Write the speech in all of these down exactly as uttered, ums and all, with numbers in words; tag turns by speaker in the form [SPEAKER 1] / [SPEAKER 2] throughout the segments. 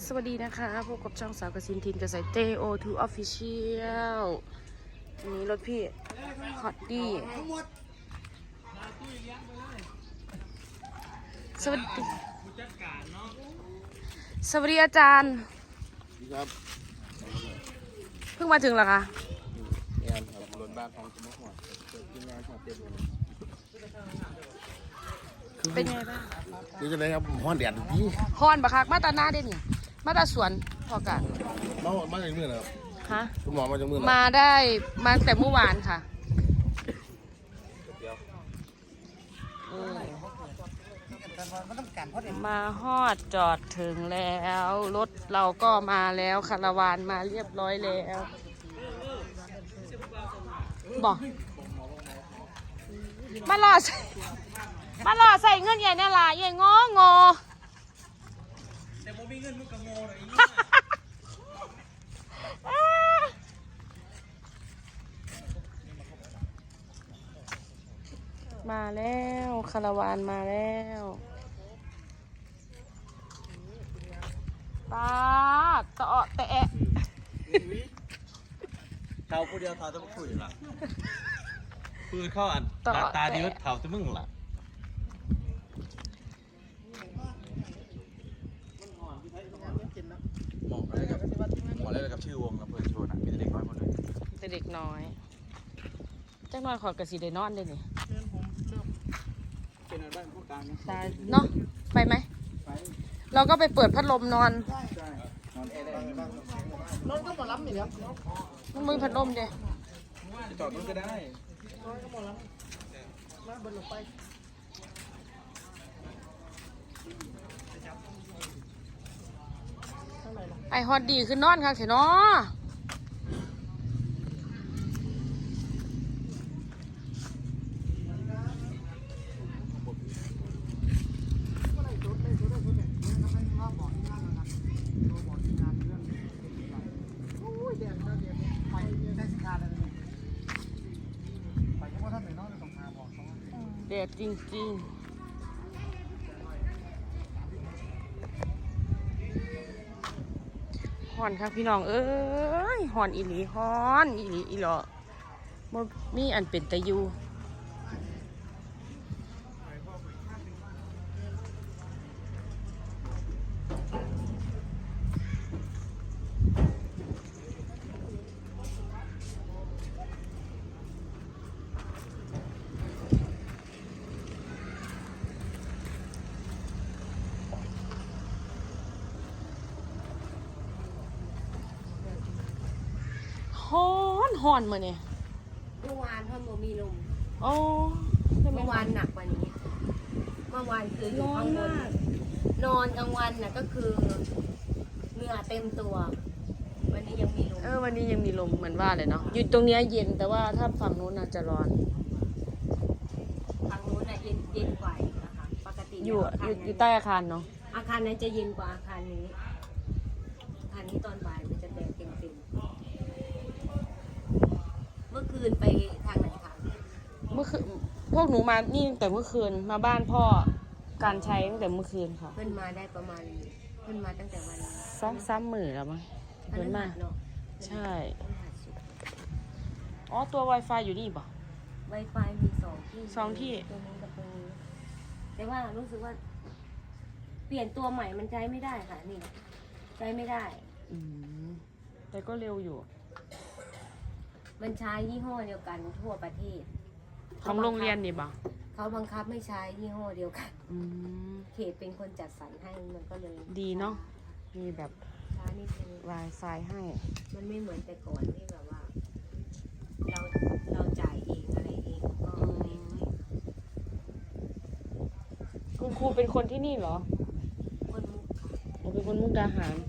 [SPEAKER 1] สวัสดีนะคะพบกับช่องสาวกสินทินกระสายเตโอทูออฟฟิเชียลวันนี้รถพี่ฮอตดี้สวัสดีสวัสดีอาจารย์
[SPEAKER 2] ครับ
[SPEAKER 1] เพิ่งมาถึงเหรอคะ
[SPEAKER 2] งานครับรถบ้านของจะไม่หัวเกิดที่งานของเต็มเลย
[SPEAKER 1] เป็นไงบ้าง
[SPEAKER 2] คือจะได้ครับห้อนแดดพี่
[SPEAKER 1] ฮอนบักคักมาตาหน้าได้นี่มาตาสวนพอกัน
[SPEAKER 2] มามาจากเมื่อไหร่ครับ
[SPEAKER 1] ฮะ
[SPEAKER 2] คุณหมอมาจากเมื่อไหร่
[SPEAKER 1] มาได้มาแต่เมื่อวานค่ะมาฮอดจอดถึงแล้วรถเราก็มาแล้วคาราวานมาเรียบร้อยแล้วบอกมารอใส่มารอใส่เงินใหญ่เนี่ยล่ะใหญ่งองอแต่ผมมีเงินมึงก็งอเลยมาแล้วคาราวานมาแล้วป้าตะเาะแตะ
[SPEAKER 3] เท้าผู้เดียวเท้าจะไม่คุยหรอปืนเข้าอันตาตาดีว่าเท้าจะมึงหรอหมอกอะไรกับหมอกอะไรกับชื่อวงกับเพื่อนโชว์นะมีแต่เด็กน้อยหมดเลย
[SPEAKER 1] แต่เด็กน้อยจักน้อยขอดกระสีได้นอนได้นี่
[SPEAKER 3] เป็นอะไรบ้างพวกกลาง
[SPEAKER 1] ตายเนาะไปไหมเราก็ไปเปิดพัดลมนอน
[SPEAKER 3] นอนแอร์ได้
[SPEAKER 2] นอนก็หมอล้ำอยู่แล้ว
[SPEAKER 1] มันมือพัดลมเด้
[SPEAKER 3] จอดมันก็ได้
[SPEAKER 2] นอนก็หมอล้ำมาบนลงไป
[SPEAKER 1] ไอฮอตดีคือนอนค่ะเถอะเนาะแดดจริงๆฮอนครับพี่น้องเอ้ยฮอนอีหลีฮอนอีหลีอีหลอบ่มีอันเป็นตะยูฮอนฮอนมาเนี่ย
[SPEAKER 4] เมื่อวานเพิ่มโมมีลม
[SPEAKER 1] โอ้
[SPEAKER 4] เมื่อวานหนักกว่านี้เมื่อวานคืออยู่ข้างบนนอนกลางวันน่ะก็คือเหงื่อเต็มตัววันนี้ยังมีลม
[SPEAKER 1] เออวันนี้ยังมีลมเหมือนว่าเลยเนาะอยู่ตรงนี้เย็นแต่ว่าถ้าฝั่งนู้นอาจจะร้อน
[SPEAKER 4] ทางนู้นน่ะเย็นเย็นกว่านะคะปกติ
[SPEAKER 1] อยู่อยู่อยู่ใต้อาคารเนาะ
[SPEAKER 4] อาคารนั้นจะเย็นกว่าอาคารนี้อาคารนี้ตอนบ่ายมันจะแดดเต็มเต็มเมื่อคืนไปทางไหนคะ
[SPEAKER 1] เมื่อคืนพวกหนูมานี่ตั้งแต่เมื่อคืนมาบ้านพ่อการใช้ตั้งแต่เมื่อคืนค่ะ
[SPEAKER 4] เพิ่นมาได้ประมาณเพิ่นมาตั้งแต่วัน
[SPEAKER 1] ซ้ำซ้ำหมื่นแล้วมั้งเพิ่นมาใช่อ๋อตัว Wi-Fi อยู่นี่ป่ะ
[SPEAKER 4] Wi-Fi มีสองที่
[SPEAKER 1] สองที่
[SPEAKER 4] ตรงนี้กับตรงนี้แต่ว่ารู้สึกว่าเปลี่ยนตัวใหม่มันใช้ไม่ได้ค่ะนี่ใช้ไม่ได้
[SPEAKER 1] อืมแต่ก็เร็วอยู่
[SPEAKER 4] มันใช้ยี่ห้อเดียวกันทั่วประเทศ
[SPEAKER 1] ของโรงเรียนนี่ป่ะ
[SPEAKER 4] เขาบังคับไม่ใช้ยี่ห้อเดียวกัน
[SPEAKER 1] อืม
[SPEAKER 4] เขตเป็นคนจัดสรรให้มันก็เลย
[SPEAKER 1] ดีเนาะมีแบบ
[SPEAKER 4] ช้านิดนึง
[SPEAKER 1] Wi-Fi ให้
[SPEAKER 4] มันไม่เหมือนแต่ก่อนที่แบบว่าเราเราจ่ายเองอะไรเองก็
[SPEAKER 1] คุณครูเป็นคนที่นี่เหรอ
[SPEAKER 4] คนมุก
[SPEAKER 1] เราเป็นคนมุกดาหาร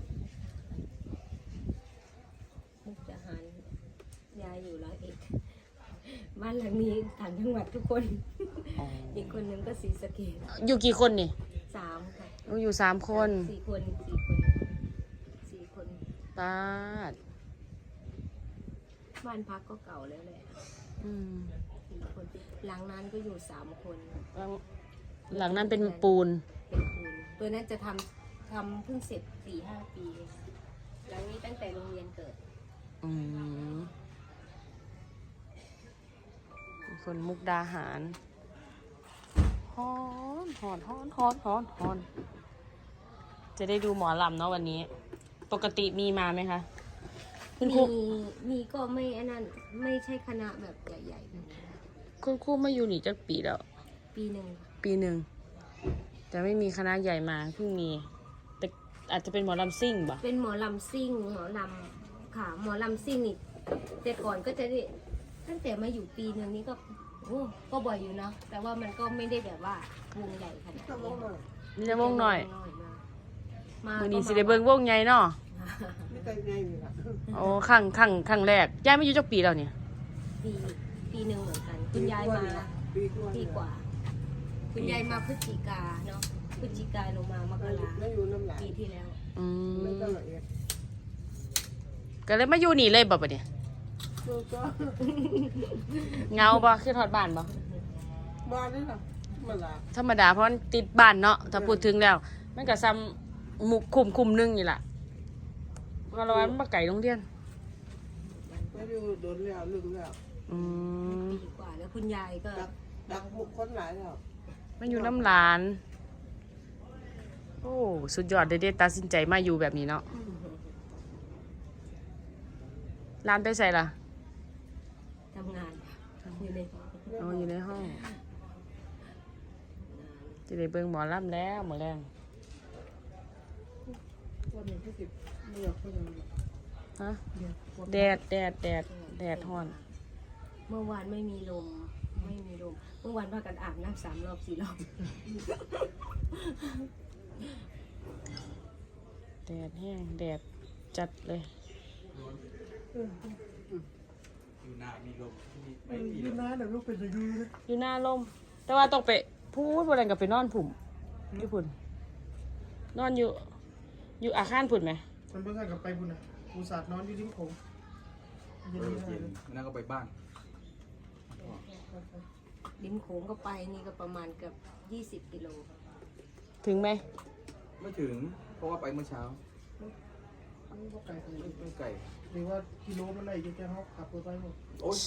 [SPEAKER 4] มุกดาหารยายอยู่ร้อยเอ็ดบ้านหลังนี้ต่างจังหวัดทุกคนอีกคนนึงก็ศรีสะเกษ
[SPEAKER 1] อยู่กี่คนนี่
[SPEAKER 4] สามค่ะ
[SPEAKER 1] อยู่สามคน
[SPEAKER 4] สี่คนสี่คนสี่คน
[SPEAKER 1] ตาด
[SPEAKER 4] บ้านพักก็เก่าแล้วแหละสี่คนหลังนั้นก็อยู่สามคน
[SPEAKER 1] หลังนั้นเป็นปูน
[SPEAKER 4] เป็นปูนตัวนั้นจะทำทำเพิ่งเสร็จสี่ห้าปีหลังนี้ตั้งแต่โรงเรียนเกิด
[SPEAKER 1] อืมเป็นคนมุกดาหารฮอนฮอนฮอนฮอนฮอนฮอนจะได้ดูหมอลำเนาะวันนี้ ปกติมีมาไหมคะคุณครู
[SPEAKER 4] มีมีก็ไม่อันนั้นไม่ใช่คณะแบบใหญ่ๆแบบนี้
[SPEAKER 1] คุณครูมาอยู่นี่จักปีแล้ว
[SPEAKER 4] ปีหนึ่ง
[SPEAKER 1] ปีหนึ่งแต่ไม่มีคณะใหญ่มาเพิ่งมีแต่อาจจะเป็นหมอลำซิ่งบ่
[SPEAKER 4] เป็นหมอลำซิ่งหมอลำค่ะหมอลำซิ่งนี่แต่ก่อนก็จะได้ตั้งแต่มาอยู่ปีหนึ่งนี่ก็โอ้ก็บ่อยอยู่เนาะแต่ว่ามันก็ไม่ได้แบบว่าวงใหญ่ขนาดนี้
[SPEAKER 1] นี่จะวงหน่อย
[SPEAKER 4] มา
[SPEAKER 1] มือนี้สิได้เบิ่งวงใหญ่เนาะ
[SPEAKER 5] ไม่เคยไงนี่ล่ะ
[SPEAKER 1] โอ้ครั้งครั้งครั้งแรกย้ายมาอยู่จักปีแล้วเนี่ย
[SPEAKER 4] ปีปีหนึ่งเหมือนกันคุณยายมา
[SPEAKER 5] ปีกว่า
[SPEAKER 4] ปีกว่า คุณยายมาพฤศจิกาเนาะพฤศจิกาลงมามกรา
[SPEAKER 5] แล้วอยู่น้ำหลาย
[SPEAKER 4] ปีที่แล้ว
[SPEAKER 1] อื
[SPEAKER 5] ไม่
[SPEAKER 1] ม
[SPEAKER 5] ก็ละเอียด
[SPEAKER 1] ก็เลยมาอยู่นี่เลยบ่ปะเนี่ย
[SPEAKER 5] ตัวก็
[SPEAKER 1] เงาบ่ขึ้นฮอดบ้านบ่
[SPEAKER 5] บ้านนี่ล่ะมาลา
[SPEAKER 1] ธรรมดาเพราะมันติดบ้านเนาะถ้าพูดถึงแล้ว มันก็ซ้ำหมุกคุมคุมหนึงนี่ล่ะเพราะว่ามันบ่ไกลโรงเรียน
[SPEAKER 5] ไม่อยู่โดนแล้วลึกแล้ว
[SPEAKER 1] อืม
[SPEAKER 4] ปีกว่าแล้วคุณยายก็
[SPEAKER 5] ดักดักบุกคนหลายแล้ว
[SPEAKER 1] มันอยู่น้ำหลาน โอ้สุดยอดเด็ดๆตัดสินใจมาอยู่แบบนี้เนาะร้านไปใส่ล่ะ
[SPEAKER 4] ทำงานอยู่ใน
[SPEAKER 1] อ๋ออยู่ในห้อง จะได้เบิ่งหมอลำแล้วหมอแรง
[SPEAKER 5] วันนี้ที่สิบไม่อยากพูดอะไร
[SPEAKER 1] ฮะ
[SPEAKER 5] เดี๋ยว
[SPEAKER 1] แดดแดดแดดแดดฮ้อน
[SPEAKER 4] เมื่อวานไม่มีลมไม่มีลมเมื่อวานพากันอาบน้ำสามรอบสี่รอบ
[SPEAKER 1] แดดแห้งแดดจัดเลย
[SPEAKER 3] อยู่หน้ามีลมที่นี่
[SPEAKER 5] ไม่
[SPEAKER 3] ไม่มี
[SPEAKER 5] มี
[SPEAKER 3] ลม
[SPEAKER 5] นะเดี๋ยวลูกเป็นจะยูนะ
[SPEAKER 1] อยู่หน้าลม แต่ว่าต้องไปพูดบนนั้นกับไปนอนผุ่มอยู่พุ่นนอนอยู่ อยู่อาคารผุ่นไหม
[SPEAKER 5] มันเพิ่งกลับไปบุญนะอุตส่าห์นอนอยู่ริมโขง
[SPEAKER 3] เออเย็นมันนั่งก็ไปบ้าน
[SPEAKER 4] ริมโขงก็ไปนี่ก็ประมาณเกือบยี่สิบกิโล
[SPEAKER 1] ถึงไหม
[SPEAKER 3] ไม่ถึงเพราะว่าไปเมื่อเช้า
[SPEAKER 5] นี่ก็ไกลขนาด
[SPEAKER 3] ไม่
[SPEAKER 5] นี้
[SPEAKER 3] ไม่ไกล
[SPEAKER 5] หรือว่ากิโลมันไหนจะแค่เขาขับรถไปหมด
[SPEAKER 3] โอ๊ย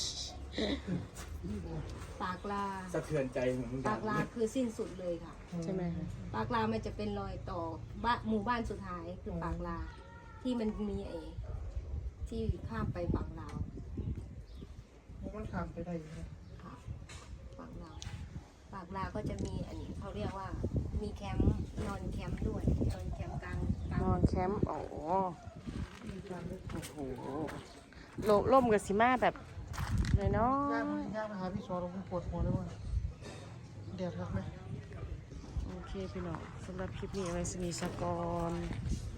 [SPEAKER 4] ปากลา
[SPEAKER 3] สะเทือนใจเหมือนกัน
[SPEAKER 4] ปากลาคือสิ้นสุดเลยค่ะ
[SPEAKER 1] ใช่ไหมคะ
[SPEAKER 4] ปากลามันจะเป็นรอยต่อบ้านหมู่บ้านสุดท้ายคือปากลา ที่มันมีไอ้ที่ข้ามไปฝั่งลาว
[SPEAKER 5] มันข้ามไปได้อยู่นะ
[SPEAKER 4] ค่ะฝั่งลาวปากลาก็จะมีอันนี้เขาเรียกว่ามีแคมป์นอนแคมป์ด้วยนอนแคมป์กลางกลาง
[SPEAKER 1] นอนแคมป์โอ้โหโอ้โหโลล่มกับสิมาแบบน้อย
[SPEAKER 5] ย่างย่างมาหาพี่ชอเราปวดหัวเลยว่าแดดรักไหม
[SPEAKER 1] ๆโอเคพี่น้องสำหรับคลิปนี้ไว้สนิทสกอน